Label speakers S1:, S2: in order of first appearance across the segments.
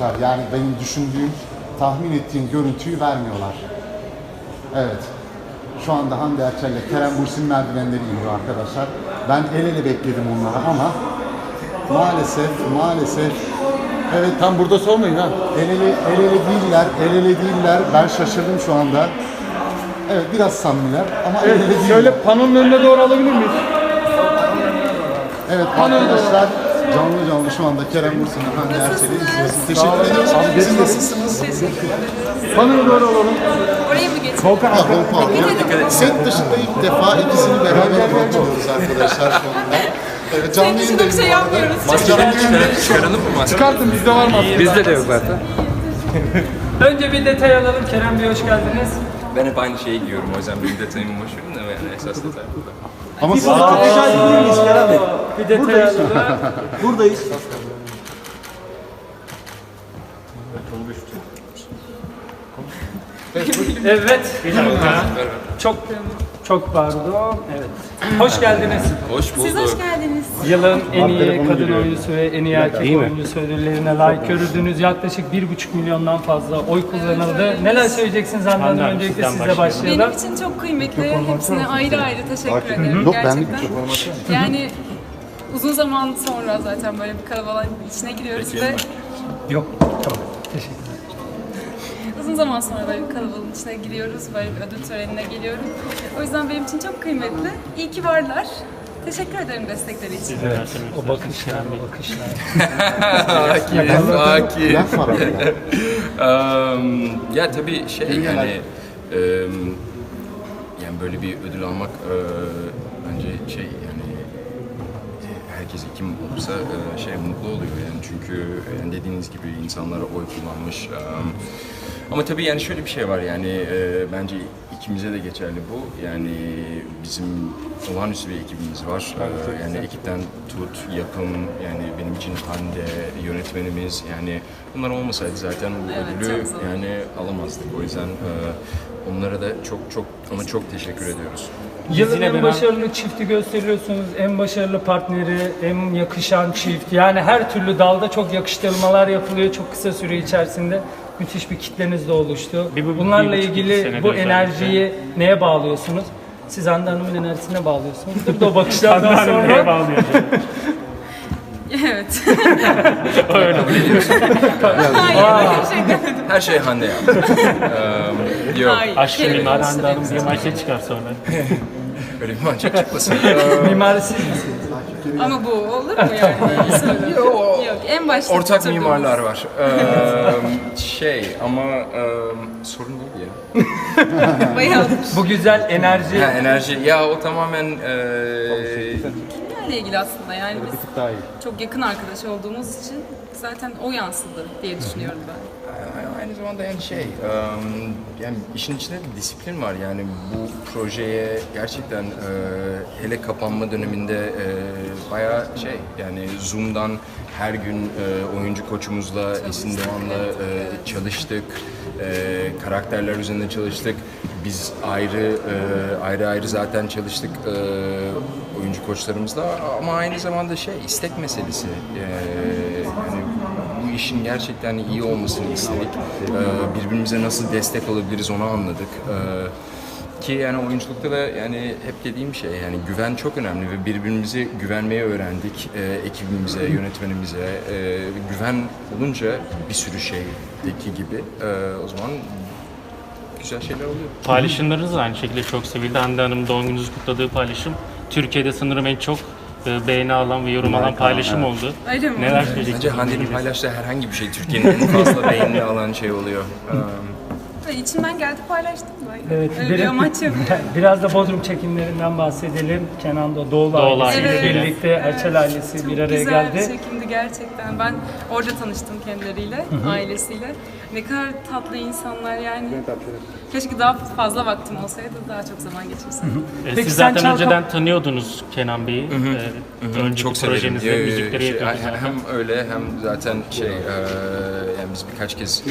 S1: arkadaşlar. Yani benim düşündüğüm, tahmin ettiğim görüntüyü vermiyorlar. Evet. Şu anda Hande Erçel ile Kerem Bürsin merdivenleri iniyor arkadaşlar. Ben el ele bekledim onları ama maalesef evet,
S2: Tam burada sormayın ha.
S1: el ele değiller. Ben şaşırdım şu anda. Evet, biraz samimiler ama el ele değiller.
S2: Şöyle panonun önüne doğru alabilir miyiz?
S1: Evet arkadaşlar, canlı şu anda Kerem Bürsin ve Hande Erçel'i izliyoruz. Teşekkür ediyoruz. Siz nasılsınız?
S2: Panona doğru alalım.
S3: Oraya mı geçelim?
S2: Volkan
S1: Set dışında ilk defa ikisini beraber konuşuyoruz arkadaşlar şu anda. Evet, canlı
S3: Senin için
S1: yayındayız
S3: bir şey
S1: bu arada.
S3: yapmıyoruz.
S4: Çıkaralım mı maske?
S2: çıkartın, bizde var mı?
S4: Bizde de yok zaten.
S5: Önce bir detay alalım. Kerem Bey hoş geldiniz.
S4: Ben hep aynı şeyi giyiyorum, o yüzden benim detayımı boş verin de yani esas detay burada.
S1: Ama siz
S5: Bir detay alalım.
S2: Buradayız.
S5: Evet. Çok pardon. Evet. Hoş geldiniz.
S4: Hoş bulduk.
S3: Siz hoş geldiniz.
S5: Yılın en iyi kadın oyuncusu ve en iyi erkek oyuncusu ödüllerine layık görüldünüz. Yaklaşık 1,5 milyondan fazla oy kullanıldı. Neler söyleyeceksiniz Hande Hanım? Öncelikle sizle başlayalım.
S3: Benim için çok kıymetli. Hepsine ayrı ayrı teşekkür ederim
S1: Yok,
S3: gerçekten.
S1: ben
S3: Yani uzun zaman sonra zaten böyle bir kalabalığın içine giriyoruz ve
S5: Yok. Tamam. Teşekkür ederim.
S3: uzun zaman sonra böyle bir kalabalığın içine giriyoruz. Böyle bir ödül törenine geliyorum. O yüzden benim için çok kıymetli. İyi ki varlar. Teşekkür ederim destekleri için.
S5: O bakışlar, o bakışlar.
S4: Sakin.
S1: laf var arada.
S4: Ya tabii yani yani böyle bir ödül almak bence yani herkes kim olursa mutlu oluyor yani, çünkü yani dediğiniz gibi insanlara oy kullanmış. Ama tabii yani şöyle bir şey var yani, bence ikimize de geçerli bu. Yani bizim olağanüstü bir ekibimiz var. Yani ekipten tut, yapım, yani benim için Hande, yönetmenimiz, yani bunlar olmasaydı zaten bu ödülü
S3: çok zor.
S4: yani alamazdık. O yüzden onlara da çok teşekkür ediyoruz.
S5: Yılın en başarılı çifti gösteriyorsunuz, en başarılı partneri, en yakışan çift. Yani her türlü dalda çok yakıştırmalar yapılıyor çok kısa süre içerisinde. Müthiş bir kitleniz de oluştu. Bunlarla ilgili bu enerjiyi neye bağlıyorsunuz? Siz Hande Hanım'ın enerjisine bağlıyorsunuz. Bir de o bakışlardan sonra... neye bağlıyor?
S3: Evet. Öyle. Hayır, bir şey demedim.
S4: Her şey Hande yaptı. Yok,
S3: Hayır.
S6: Aşkı
S3: Kerem'in
S6: mimar
S3: işte
S6: Hande Hanım
S3: benim
S6: diye
S3: için.
S6: manşet çıkar sonra.
S4: öyle bir mançak çıkmasın.
S5: Mimarı siz misiniz?
S3: Ama bu olur mu yani? Yok, en başta
S4: Ortak
S3: tutturduğumuz-
S4: mimarlar var. Ama sorun neydi ya?
S3: Bayağı
S5: Bu güzel enerji...
S4: Ha, enerji. Ya o tamamen
S3: kimlerle ilgili aslında yani biz çok yakın arkadaş olduğumuz için zaten o yansıdı diye düşünüyorum ben.
S4: aynı zamanda yani yani işin içinde de disiplin var yani, bu projeye gerçekten hele kapanma döneminde bayağı yani Zoom'dan her gün oyuncu koçumuzla Esin Doğan'la çalıştık, karakterler üzerinde çalıştık. Biz ayrı zaten çalıştık oyuncu koçlarımızla, ama aynı zamanda istek meselesi. Yani bu işin gerçekten iyi olmasını istedik. Birbirimize nasıl destek olabiliriz onu anladık. Ki yani oyunculukta da yani hep dediğim şey, yani güven çok önemli ve birbirimize güvenmeye öğrendik. Ekibimize, yönetmenimize güven olunca bir sürü şeydeki gibi o zaman güzel şeyler oluyor.
S6: Paylaşımlarınız da aynı şekilde çok sevildi. Hande Hanım doğum gününüzü kutladığı paylaşım Türkiye'de sanırım en çok beğeni alan ve yorum alan paylaşım oldu.
S3: Öyle mi?
S6: Neler söyleyeceksiniz?
S4: Bence Hande'nin paylaştığı herhangi bir şey Türkiye'nin en fazla beğenini alan şey oluyor.
S3: İçimden geldi paylaştım ben.
S5: Evet,
S3: Öyle bir amaç yok.
S5: biraz da Bodrum çekimlerinden bahsedelim. Kenan Doğulu
S6: Doğulu
S5: ailesiyle
S3: ailesiyle.
S5: birlikte Erçel ailesi
S3: Çok
S5: bir araya
S3: güzel
S5: geldi.
S3: bir çekimdi gerçekten. Ben orada tanıştım kendileriyle, ailesiyle. Ne kadar tatlı insanlar yani. Keşke daha fazla vaktim olsaydı daha çok zaman geçirseydim.
S5: Peki
S6: Siz
S5: sen
S6: zaten önceden tanıyordunuz Kenan Bey'i. Önceki
S4: Çok severim.
S6: projenizde müzikleri yapıyordunuz zaten.
S4: Hem öyle hem zaten yani biz birkaç kez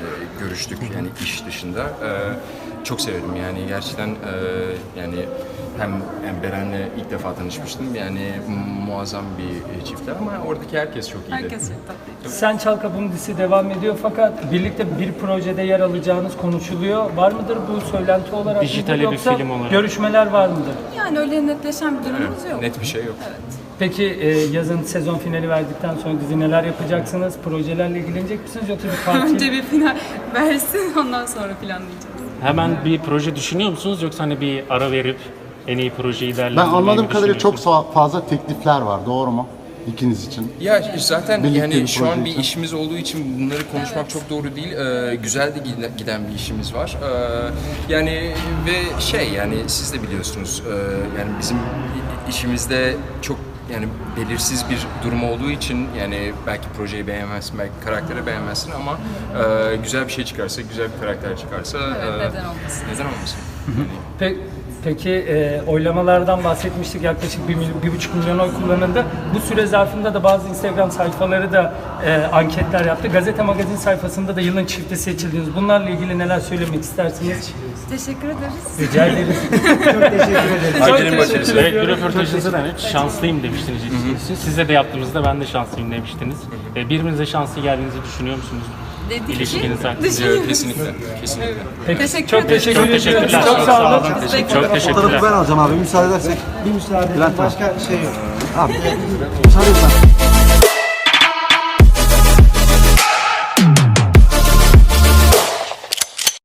S4: görüştük yani iş dışında. Çok severim yani gerçekten yani hem yani Beren'le ilk defa tanışmıştım. Yani muazzam bir çiftler ama oradaki herkes çok iyiydi.
S3: Herkes çok tatlıydı.
S5: Sen Çal Kapım dizisi devam ediyor fakat birlikte bir projede yer alacağınız konuşuluyor. Var mıdır bu söylenti olarak?
S6: Dijitale
S5: mıdır
S6: bir
S5: yoksa
S6: film olarak.
S5: görüşmeler var mıdır?
S3: Yani öyle netleşen bir durumumuz yok.
S4: Net bir şey yok.
S5: Peki yazın sezon finali verdikten sonra dizi neler yapacaksınız? Projelerle ilgilenecek misiniz yoksa bir tatil?
S3: Önce bir final versin, ondan sonra planlayacağız.
S6: Hemen bir proje düşünüyor musunuz yoksa hani bir ara verip en iyi projeyi
S1: Ben
S6: değerlendirmeyi
S1: anladığım
S6: mi
S1: kadarıyla çok
S6: düşünüyorsunuz?
S1: fazla teklifler var. Doğru mu? İkiniz için.
S4: Ya zaten
S1: Birlikte
S4: yani
S1: bir
S4: şu an
S1: proje
S4: bir
S1: için.
S4: işimiz olduğu için bunları konuşmak çok doğru değil. Güzel de giden bir işimiz var. Yani ve yani siz de biliyorsunuz yani bizim işimizde çok yani belirsiz bir durum olduğu için yani belki projeyi beğenmezsin, belki karakteri beğenmezsin ama güzel bir şey çıkarsa, güzel bir karakter çıkarsa
S3: Evet, neden olmasın?
S4: Neden olmasın?
S5: Peki oylamalardan bahsetmiştik, yaklaşık 1,5 milyon oy kullanıldı. Bu süre zarfında da bazı Instagram sayfaları da anketler yaptı. Gazete Magazin sayfasında da yılın çifti seçildiniz. Bunlarla ilgili neler söylemek istersiniz?
S3: Teşekkür ederiz.
S5: Rica ederiz. Çok teşekkür ederiz.
S4: Ayşe'nin başarısı.
S6: Evet, bir röportajınızda da şanslıyım demiştiniz ilk. Size de yaptığımızda ben de şanslıyım demiştiniz. Birbirinize şanslı geldiğinizi düşünüyor musunuz?
S3: Dedik ki
S6: İlişkiniz hakkında.
S3: düşünüyoruz.
S4: Kesinlikle. Kesinlikle.
S5: Peki,
S3: Teşekkür
S5: çok
S3: ederiz.
S5: teşekkür
S6: Çok
S5: ediyoruz.
S6: teşekkürler.
S5: Çok sağ olun.
S6: Çok
S7: Fotoğrafı
S6: teşekkürler.
S7: ben alacağım abi müsaade edersek.
S8: Bir müsaade edin. Başka şey yok.
S7: Abi müsaade et.